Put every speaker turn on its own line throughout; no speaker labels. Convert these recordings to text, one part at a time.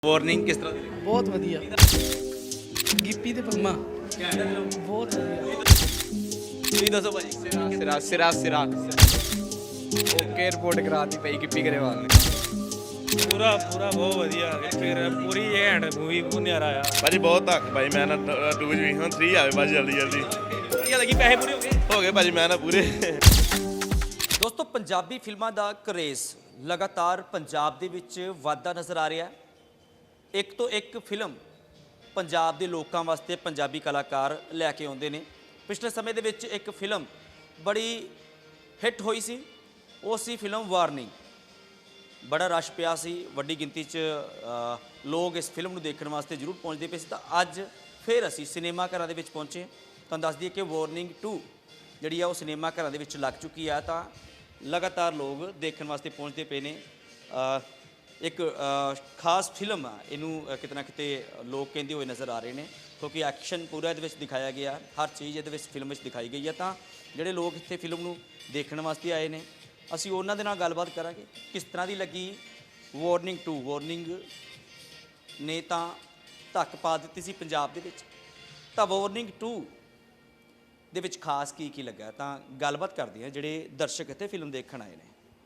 Warning ਕਿਸ ਤਰ੍ਹਾਂ ਦੀ ਲੱਗੀ?
ਬਹੁਤ ਵਧੀਆ। ਗਿੱਪੀ ਤੇ ਪੰਮਾ ਬਹੁਤ ਵਧੀਆ।
ਤੁਸੀਂ ਦੱਸੋ ਭਾਜੀ। ਸਿਰਾ ਸਿਰਾ ਸਿਰਾ ਓਕੇ ਰਿਪੋਰਟ ਕਰਾਤੀ ਪਈ ਗਿੱਪੀ ਗਰੇਵਾਲ ਨੇ।
ਪੂਰਾ ਬਹੁਤ ਵਧੀਆ ਫਿਰ ਪੂਰੀ ਐਂਡ ਮੂਵੀ ਬਹੁਤ ਨਿਆਰਾ ਆ
ਭਾਜੀ ਬਹੁਤ ਧੱਕ ਭਾਈ ਮੈਂ ਨਾ 2 ਜੀ ਹੁਣ 3 ਆਵੇ ਭਾਜੀ ਜਲਦੀ
ਵਧੀਆ ਲੱਗੀ, ਪੈਸੇ ਪੂਰੇ
ਹੋ ਗਏ ਭਾਜੀ ਮੈਂ ਨਾ ਪੂਰੇ।
ਦੋਸਤੋ, ਪੰਜਾਬੀ ਫਿਲਮਾਂ ਦਾ ਕਰੇਜ਼ ਲਗਾਤਾਰ ਪੰਜਾਬ ਦੇ ਵਿੱਚ ਵਾਧਾ ਨਜ਼ਰ ਆ ਰਿਹਾ ਹੈ। ਇੱਕ ਤੋਂ ਇੱਕ ਫਿਲਮ ਪੰਜਾਬ ਦੇ ਲੋਕਾਂ ਵਾਸਤੇ ਪੰਜਾਬੀ ਕਲਾਕਾਰ ਲੈ ਕੇ ਆਉਂਦੇ ਨੇ। ਪਿਛਲੇ ਸਮੇਂ ਦੇ ਵਿੱਚ ਇੱਕ ਫਿਲਮ ਬੜੀ ਹਿੱਟ ਹੋਈ ਸੀ, ਉਹ ਸੀ ਫਿਲਮ ਵਾਰਨਿੰਗ। ਬੜਾ ਰਸ਼ ਪਿਆ ਸੀ, ਵੱਡੀ ਗਿਣਤੀ 'ਚ ਲੋਕ ਇਸ ਫਿਲਮ ਨੂੰ ਦੇਖਣ ਵਾਸਤੇ ਜ਼ਰੂਰ ਪਹੁੰਚਦੇ ਪਏ ਸੀ। ਤਾਂ ਅੱਜ ਫਿਰ ਅਸੀਂ ਸਿਨੇਮਾ ਘਰਾਂ ਦੇ ਵਿੱਚ ਪਹੁੰਚੇ। ਤੁਹਾਨੂੰ ਦੱਸ ਦਈਏ ਕਿ ਵਾਰਨਿੰਗ 2 ਜਿਹੜੀ ਆ ਉਹ ਸਿਨੇਮਾ ਘਰਾਂ ਦੇ ਵਿੱਚ ਲੱਗ ਚੁੱਕੀ ਆ। ਤਾਂ ਲਗਾਤਾਰ ਲੋਕ ਦੇਖਣ ਵਾਸਤੇ ਪਹੁੰਚਦੇ ਪਏ ਨੇ। ਇੱਕ ਖਾਸ ਫਿਲਮ ਆ, ਇਹਨੂੰ ਕਿਤੇ ਨਾ ਕਿਤੇ ਲੋਕ ਕਹਿੰਦੇ ਹੋਏ ਨਜ਼ਰ ਆ ਰਹੇ ਨੇ, ਕਿਉਂਕਿ ਐਕਸ਼ਨ ਪੂਰਾ ਇਹਦੇ ਵਿੱਚ ਦਿਖਾਇਆ ਗਿਆ, ਹਰ ਚੀਜ਼ ਇਹਦੇ ਵਿੱਚ ਫਿਲਮ ਵਿੱਚ ਦਿਖਾਈ ਗਈ ਹੈ। ਤਾਂ ਜਿਹੜੇ ਲੋਕ ਇੱਥੇ ਫਿਲਮ ਨੂੰ ਦੇਖਣ ਵਾਸਤੇ ਆਏ ਨੇ, ਅਸੀਂ ਉਹਨਾਂ ਦੇ ਨਾਲ ਗੱਲਬਾਤ ਕਰਾਂਗੇ ਕਿਸ ਤਰ੍ਹਾਂ ਦੀ ਲੱਗੀ ਵਾਰਨਿੰਗ 2। ਵਾਰਨਿੰਗ ਨੇ ਤਾਂ ਧੱਕ ਪਾ ਦਿੱਤੀ ਸੀ ਪੰਜਾਬ ਦੇ ਵਿੱਚ, ਤਾਂ ਵਾਰਨਿੰਗ 2 ਦੇ ਵਿੱਚ ਖਾਸ ਕੀ ਲੱਗਾ, ਤਾਂ ਗੱਲਬਾਤ ਕਰਦੇ ਹਾਂ ਜਿਹੜੇ ਦਰਸ਼ਕ ਇੱਥੇ ਫਿਲਮ ਦੇਖਣ ਆਏ ਨੇ।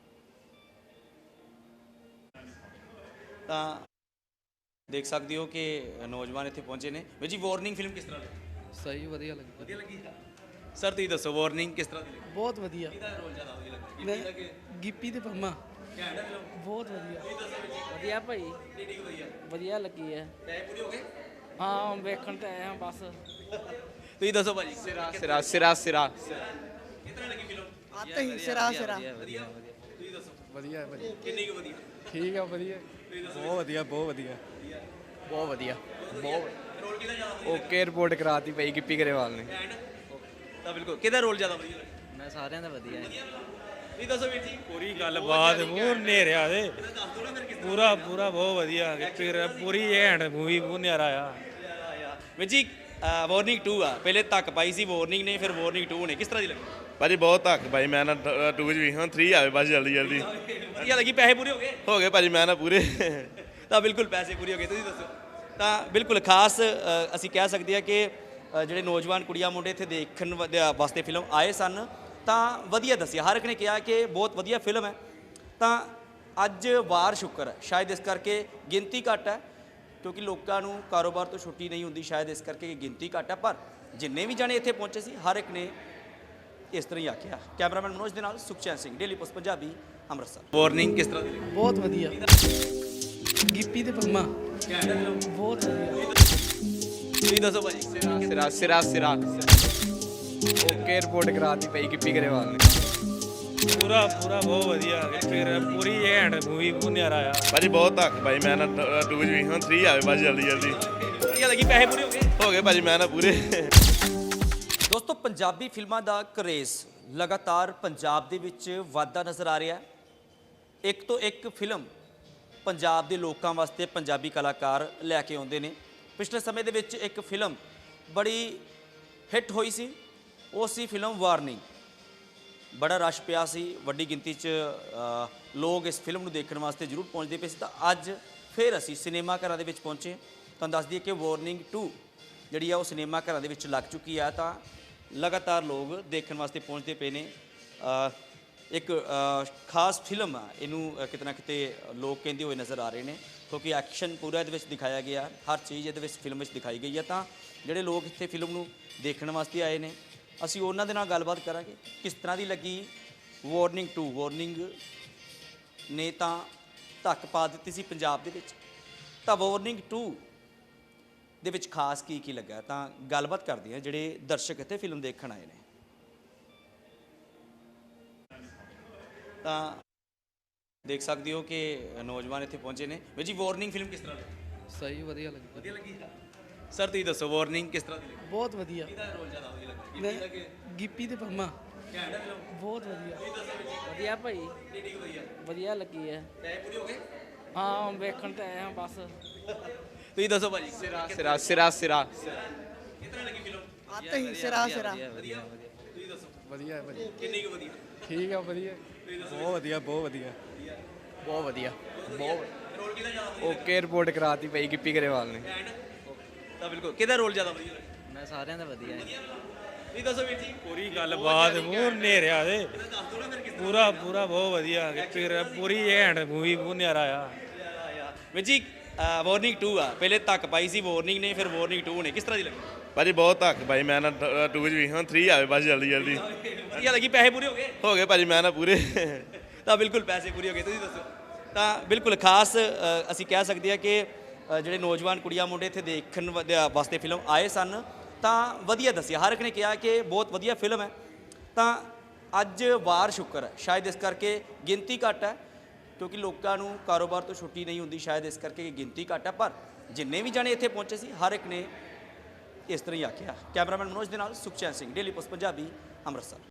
ਤਾਂ ਦੇਖ ਸਕਦੇ ਹੋ ਕਿ ਨੌਜਵਾਨ ਇੱਥੇ ਪਹੁੰਚੇ ਨੇ। ਵੀਰ ਜੀ, ਵਾਰਨਿੰਗ ਫਿਲਮ ਕਿਸ ਤਰ੍ਹਾਂ ਲੱਗੀ?
ਸਹੀ ਵਧੀਆ ਲੱਗੀ।
ਵਧੀਆ ਲੱਗੀ ਸਰ, ਤੁਸੀਂ ਦੱਸੋ ਵਾਰਨਿੰਗ ਕਿਸ ਤਰ੍ਹਾਂ ਦੀ ਲੱਗੀ?
ਬਹੁਤ ਵਧੀਆ।
ਕਿਹਦਾ ਰੋਲ ਜ਼ਿਆਦਾ ਵਧੀਆ ਲੱਗਾ?
ਮੈਂ ਗਿੱਪੀ ਤੇ ਪੰਮਾ ਬਹੁਤ ਵਧੀਆ।
ਵਧੀਆ ਭਾਈ,
ਕਿਹੜੀ ਵਧੀਆ?
ਵਧੀਆ ਲੱਗੀ ਹੈ।
ਪੈਸੇ ਪੂਰੇ ਹੋ ਗਏ?
ਹਾਂ, ਵੇਖਣ ਤੇ ਆਏ ਹਾਂ ਬਸ।
ਤੁਸੀਂ ਦੱਸੋ ਭਾਜੀ। ਸਿਰਾ ਸਿਰਾ ਸਿਰਾ ਸਿਰਾ ਕਿਸ ਤਰ੍ਹਾਂ ਲੱਗੀ ਫਿਲਮ?
ਆਤੇ ਹੀ ਸਿਰਾ ਸਿਰਾ
ਵਧੀਆ। ਤੁਸੀਂ ਦੱਸੋ।
ਵਧੀਆ ਭਾਜੀ।
ਕਿੰਨੀ ਕੁ ਵਧੀਆ?
ਠੀਕ ਆ ਵਧੀਆ।
ਬਹੁਤ ਵਧੀਆ ਬਹੁਤ ਵਧੀਆ
ਬਹੁਤ ਵਧੀਆ। ਬਹੁਤ ਰੋਲ ਕਿਹਦਾ ਜ਼ਿਆਦਾ ਓਕੇ ਰਿਪੋਰਟ ਕਰਾਤੀ ਪਈ ਗਿੱਪੀ ਗਰੇਵਾਲ ਨੇ। ਤਾਂ ਬਿਲਕੁਲ ਕਿਹਦਾ ਰੋਲ ਜ਼ਿਆਦਾ ਵਧੀਆ ਲੱਗਾ?
ਮੈਂ ਸਾਰਿਆਂ ਦਾ ਵਧੀਆ ਹੈ।
ਤੁਸੀਂ ਦੱਸੋ ਵੀਰ ਜੀ।
ਪੂਰੀ ਗੱਲਬਾਤ ਮੂੰਹ ਨੇਰਿਆ ਦੇ ਪੂਰਾ ਬਹੁਤ ਵਧੀਆ ਫਿਰ ਪੂਰੀ ਐਂਡ ਮੂਵੀ ਬਹੁਤ ਨਿਆਰਾ ਆ।
ਵੀਰ ਜੀ, ਵਾਰਨਿੰਗ 2 ਆ, ਪਹਿਲੇ ਤੱਕ ਪਾਈ ਸੀ ਵਾਰਨਿੰਗ ਨੇ, ਫਿਰ ਵਾਰਨਿੰਗ 2 ਨੇ, ਕਿਸ ਤਰ੍ਹਾਂ ਦੀ ਲੱਗੀ?
ਭਾਜੀ ਬਹੁਤ ਧੱਕ ਭਾਈ ਮੈਂ ਨਾ 2 ਜੀ ਹੁਣ 3 ਆਵੇ ਭਾਜੀ ਜਲਦੀ
ਵਧੀਆ ਲੱਗੀ, ਪੈਸੇ ਪੂਰੇ
ਹੋ ਗਏ ਭਾਜੀ ਮੈਂ ਨਾ ਪੂਰੇ।
ਤਾਂ ਬਿਲਕੁਲ ਪੈਸੇ ਪੂਰੇ ਹੋ ਗਏ। ਤੁਸੀਂ ਦੱਸੋ। ਤਾਂ ਬਿਲਕੁਲ ਖਾਸ ਅਸੀਂ ਕਹਿ ਸਕਦੇ ਹਾਂ ਕਿ ਜਿਹੜੇ ਨੌਜਵਾਨ ਕੁੜੀਆਂ ਮੁੰਡੇ ਇੱਥੇ ਦੇਖਣ ਵਾਸਤੇ ਫਿਲਮ ਆਏ ਸਨ, ਤਾਂ ਵਧੀਆ ਦੱਸਿਆ। ਹਰ ਇੱਕ ਨੇ ਕਿਹਾ ਕਿ ਬਹੁਤ ਵਧੀਆ ਫਿਲਮ ਹੈ। ਤਾਂ ਅੱਜ ਵਾਰ ਸ਼ੁੱਕਰ ਹੈ, ਸ਼ਾਇਦ ਇਸ ਕਰਕੇ ਗਿਣਤੀ ਘੱਟ ਹੈ, ਕਿਉਂਕਿ ਲੋਕਾਂ ਨੂੰ ਕਾਰੋਬਾਰ ਤੋਂ ਛੁੱਟੀ ਨਹੀਂ ਹੁੰਦੀ, ਸ਼ਾਇਦ ਇਸ ਕਰਕੇ ਗਿਣਤੀ ਘੱਟ ਹੈ। ਪਰ ਜਿੰਨੇ ਵੀ ਜਾਣੇ ਇੱਥੇ ਪਹੁੰਚੇ ਸੀ, ਹਰ ਇੱਕ ਨੇ ਇਸ ਤਰ੍ਹਾਂ ਹੀ ਆਖਿਆ। ਕੈਮਰਾਮੈਨ ਮਨੋਜ ਦੇ ਨਾਲ Sukhchain Singh, Daily Post Punjabi, Amritsar. Warning ਕਿਸ ਤਰ੍ਹਾਂ ਦੀ ਲੱਗੀ?
ਬਹੁਤ ਵਧੀਆ। ਗਿੱਪੀ ਤੇ ਪੰਮਾ ਬਹੁਤ ਵਧੀਆ।
ਤੁਸੀਂ ਦੱਸੋ ਭਾਜੀ। ਸਿਰਾ ਸਿਰਾ ਸਿਰਾ ਓਕੇ ਰਿਪੋਰਟ ਕਰਾਤੀ ਪਈ ਗਿੱਪੀ ਗਰੇਵਾਲ ਨੇ।
ਪੂਰਾ ਬਹੁਤ ਵਧੀਆ ਫਿਰ ਪੂਰੀ ਐਂਡ ਮੂਵੀ ਬਹੁਤ ਨਿਆਰਾ ਆ।
ਭਾਜੀ ਬਹੁਤ ਧੱਕ ਭਾਈ ਮੈਂ ਨਾ 2 ਜੀ ਹੁਣ 3 ਆਵੇ ਭਾਜੀ ਜਲਦੀ
ਵਧੀਆ ਲੱਗੀ, ਪੈਸੇ ਪੂਰੇ
ਹੋ ਗਏ ਭਾਜੀ ਮੈਂ ਨਾ ਪੂਰੇ।
ਦੋਸਤੋ, ਪੰਜਾਬੀ ਫਿਲਮਾਂ ਦਾ ਕਰੇਜ਼ ਲਗਾਤਾਰ ਪੰਜਾਬ ਦੇ ਵਿੱਚ ਵਾਧਾ ਨਜ਼ਰ ਆ ਰਿਹਾ ਹੈ। ਇੱਕ ਤੋਂ ਇੱਕ ਫਿਲਮ ਪੰਜਾਬ ਦੇ ਲੋਕਾਂ ਵਾਸਤੇ ਪੰਜਾਬੀ ਕਲਾਕਾਰ ਲੈ ਕੇ ਆਉਂਦੇ ਨੇ। ਪਿਛਲੇ ਸਮੇਂ ਦੇ ਵਿੱਚ ਇੱਕ ਫਿਲਮ ਬੜੀ ਹਿੱਟ ਹੋਈ ਸੀ, ਉਹ ਸੀ ਫਿਲਮ ਵਾਰਨਿੰਗ। ਬੜਾ ਰਸ਼ ਪਿਆ ਸੀ, ਵੱਡੀ ਗਿਣਤੀ 'ਚ ਲੋਕ ਇਸ ਫਿਲਮ ਨੂੰ ਦੇਖਣ ਵਾਸਤੇ ਜ਼ਰੂਰ ਪਹੁੰਚਦੇ ਪਏ ਸੀ। ਤਾਂ ਅੱਜ ਫਿਰ ਅਸੀਂ ਸਿਨੇਮਾ ਘਰਾਂ ਦੇ ਵਿੱਚ ਪਹੁੰਚੇ। ਤੁਹਾਨੂੰ ਦੱਸ ਦਈਏ ਕਿ ਵਾਰਨਿੰਗ 2 ਜਿਹੜੀ ਆ ਉਹ ਸਿਨੇਮਾ ਘਰਾਂ ਦੇ ਵਿੱਚ ਲੱਗ ਚੁੱਕੀ ਆ। ਤਾਂ ਲਗਾਤਾਰ ਲੋਕ ਦੇਖਣ ਵਾਸਤੇ ਪਹੁੰਚਦੇ ਪਏ ਨੇ। ਇੱਕ ਖਾਸ ਫਿਲਮ ਆ, ਇਹਨੂੰ ਕਿਤੇ ਨਾ ਕਿਤੇ ਲੋਕ ਕਹਿੰਦੇ ਹੋਏ ਨਜ਼ਰ ਆ ਰਹੇ ਨੇ, ਕਿਉਂਕਿ ਐਕਸ਼ਨ ਪੂਰਾ ਇਹਦੇ ਵਿੱਚ ਦਿਖਾਇਆ ਗਿਆ, ਹਰ ਚੀਜ਼ ਇਹਦੇ ਵਿੱਚ ਫਿਲਮ ਵਿੱਚ ਦਿਖਾਈ ਗਈ ਹੈ। ਤਾਂ ਜਿਹੜੇ ਲੋਕ ਇੱਥੇ ਫਿਲਮ ਨੂੰ ਦੇਖਣ ਵਾਸਤੇ ਆਏ ਨੇ, ਅਸੀਂ ਉਹਨਾਂ ਦੇ ਨਾਲ ਗੱਲਬਾਤ ਕਰਾਂਗੇ ਕਿਸ ਤਰ੍ਹਾਂ ਦੀ ਲੱਗੀ ਵਾਰਨਿੰਗ 2। ਵਾਰਨਿੰਗ ਨੇ ਤਾਂ ਧੱਕ ਪਾ ਦਿੱਤੀ ਸੀ ਪੰਜਾਬ ਦੇ ਵਿੱਚ, ਤਾਂ ਵਾਰਨਿੰਗ 2 ਦੇ ਵਿੱਚ ਖਾਸ ਕੀ ਲੱਗਾ, ਤਾਂ ਗੱਲਬਾਤ ਕਰਦੇ ਹਾਂ ਜਿਹੜੇ ਦਰਸ਼ਕ ਇੱਥੇ ਫਿਲਮ ਦੇਖਣ ਆਏ ਨੇ। ਤਾਂ ਦੇਖ ਸਕਦੇ ਹੋ ਕਿ ਨੌਜਵਾਨ ਇੱਥੇ ਪਹੁੰਚੇ ਨੇ। ਵੀਰ ਜੀ, ਵਾਰਨਿੰਗ ਫਿਲਮ ਕਿਸ ਤਰ੍ਹਾਂ ਲੱਗੀ?
ਸਹੀ ਵਧੀਆ ਲੱਗੀ।
ਵਧੀਆ ਲੱਗੀ ਸਰ, ਤੁਸੀਂ ਦੱਸੋ ਵਾਰਨਿੰਗ ਕਿਸ ਤਰ੍ਹਾਂ ਦੀ ਲੱਗੀ?
ਬਹੁਤ ਵਧੀਆ।
ਕਿਹਦਾ ਰੋਲ ਜ਼ਿਆਦਾ ਵਧੀਆ ਲੱਗਾ?
ਮੈਂ ਗਿੱਪੀ ਤੇ ਪੰਮਾ ਬਹੁਤ ਵਧੀਆ।
ਵਧੀਆ ਭਾਈ,
ਕਿਹੜੀ ਕੁ ਵਧੀਆ?
ਵਧੀਆ ਲੱਗੀ ਹੈ।
ਪੈਸੇ ਪੂਰੇ ਹੋ ਗਏ?
ਹਾਂ, ਵੇਖਣ ਤੇ ਆਏ ਹਾਂ ਬਸ।
ਤੁਸੀਂ ਦੱਸੋ ਭਾਜੀ। ਸਿਰਾ ਸਿਰਾ ਸਿਰਾ ਸਿਰਾ ਕਿਸ ਤਰ੍ਹਾਂ ਲੱਗੀ ਫਿਲਮ?
ਆਤੇ ਹੀ ਸਿਰਾ ਸਿਰਾ
ਵਧੀਆ। ਤੁਸੀਂ ਦੱਸੋ।
ਵਧੀਆ ਭਾਜੀ।
ਕਿੰਨੀ ਕੁ ਵਧੀਆ?
ਠੀਕ ਆ ਵਧੀਆ।
ਬਹੁਤ ਵਧੀਆ
ਬਹੁਤ ਵਧੀਆ। ਬਹੁਤ ਰੋਲ ਕਿਹਦਾ ਜ਼ਿਆਦਾ ਵਧੀਆ
ਓਕੇ ਰਿਪੋਰਟ ਕਰਾਤੀ ਪਈ ਗਿੱਪੀ ਗਰੇਵਾਲ ਨੇ
ਲੱਗਾ? ਤਾਂ ਬਿਲਕੁਲ ਕਿਹਦਾ ਰੋਲ ਜ਼ਿਆਦਾ ਵਧੀਆ ਲੱਗਾ?
ਮੈਂ ਸਾਰਿਆਂ ਦਾ ਵਧੀਆ ਹੈ
ਤੁਸੀਂ ਦੱਸੋ ਵੀਰ ਜੀ।
ਪੂਰੀ ਗੱਲਬਾਤ ਮੂੰਹ ਨੇਰਿਆ ਦੇ
ਦੱਸ ਦਿਓ ਨਾ ਫਿਰ ਕਿਸ
ਪੂਰਾ ਪੂਰਾ ਬਹੁਤ ਵਧੀਆ ਫਿਰ ਪੂਰੀ ਐਂਡ ਮੂਵੀ ਬਹੁਤ ਨਿਆਰਾ ਆ
ਵੀਰ ਜੀ ਵਾਰਨਿੰਗ 2 ਆ, ਪਹਿਲੇ ਤੱਕ ਪਾਈ ਸੀ ਵਾਰਨਿੰਗ ਨੇ, ਫਿਰ ਵਾਰਨਿੰਗ 2 ਨੇ, ਕਿਸ ਤਰ੍ਹਾਂ ਦੀ ਲੱਗੀ?
ਭਾਜੀ ਬਹੁਤ ਧੱਕ ਭਾਈ ਮੈਂ ਨਾ 2 'ਚ ਵੀ ਹੁਣ 3 ਆਵੇ ਬਸ ਜਲਦੀ ਜਲਦੀ
ਵਧੀਆ ਲੱਗੀ, ਪੈਸੇ ਪੂਰੇ ਹੋ ਗਏ?
ਹੋ ਗਏ ਭਾਜੀ ਮੈਂ ਨਾ ਪੂਰੇ
ਤਾਂ ਬਿਲਕੁਲ ਪੈਸੇ ਪੂਰੇ ਹੋ ਗਏ, ਤੁਸੀਂ ਦੱਸੋ। ਤਾਂ ਬਿਲਕੁਲ ਖਾਸ ਅਸੀਂ ਕਹਿ ਸਕਦੇ ਹਾਂ ਕਿ ਜਿਹੜੇ ਨੌਜਵਾਨ ਕੁੜੀਆਂ ਮੁੰਡੇ ਇੱਥੇ ਦੇਖਣ ਵਾਸਤੇ ਫਿਲਮ ਆਏ ਸਨ ਤਾਂ ਵਧੀਆ ਦੱਸਿਆ, ਹਰ ਇੱਕ ਨੇ ਕਿਹਾ ਕਿ ਬਹੁਤ ਵਧੀਆ ਫਿਲਮ ਹੈ। ਤਾਂ ਅੱਜ ਵਾਰ ਸ਼ੁੱਕਰ ਹੈ, ਸ਼ਾਇਦ ਇਸ ਕਰਕੇ ਗਿਣਤੀ ਘੱਟ ਹੈ ਕਿਉਂਕਿ ਲੋਕਾਂ ਨੂੰ ਕਾਰੋਬਾਰ ਤੋਂ ਛੁੱਟੀ ਨਹੀਂ ਹੁੰਦੀ, ਸ਼ਾਇਦ ਇਸ ਕਰਕੇ ਗਿਣਤੀ ਘੱਟ ਹੈ, ਪਰ ਜਿੰਨੇ ਵੀ ਜਾਣੇ ਇੱਥੇ ਪਹੁੰਚੇ ਸੀ ਹਰ ਇੱਕ ਨੇ ਇਸ ਤਰ੍ਹਾਂ ਹੀ ਆਖਿਆ। ਕੈਮਰਾਮੈਨ ਮਨੋਜ ਦੇ ਨਾਲ ਸੁਖਚੈਨ ਸਿੰਘ, ਡੇਲੀ ਪੋਸਟ ਪੰਜਾਬੀ, ਅੰਮ੍ਰਿਤਸਰ।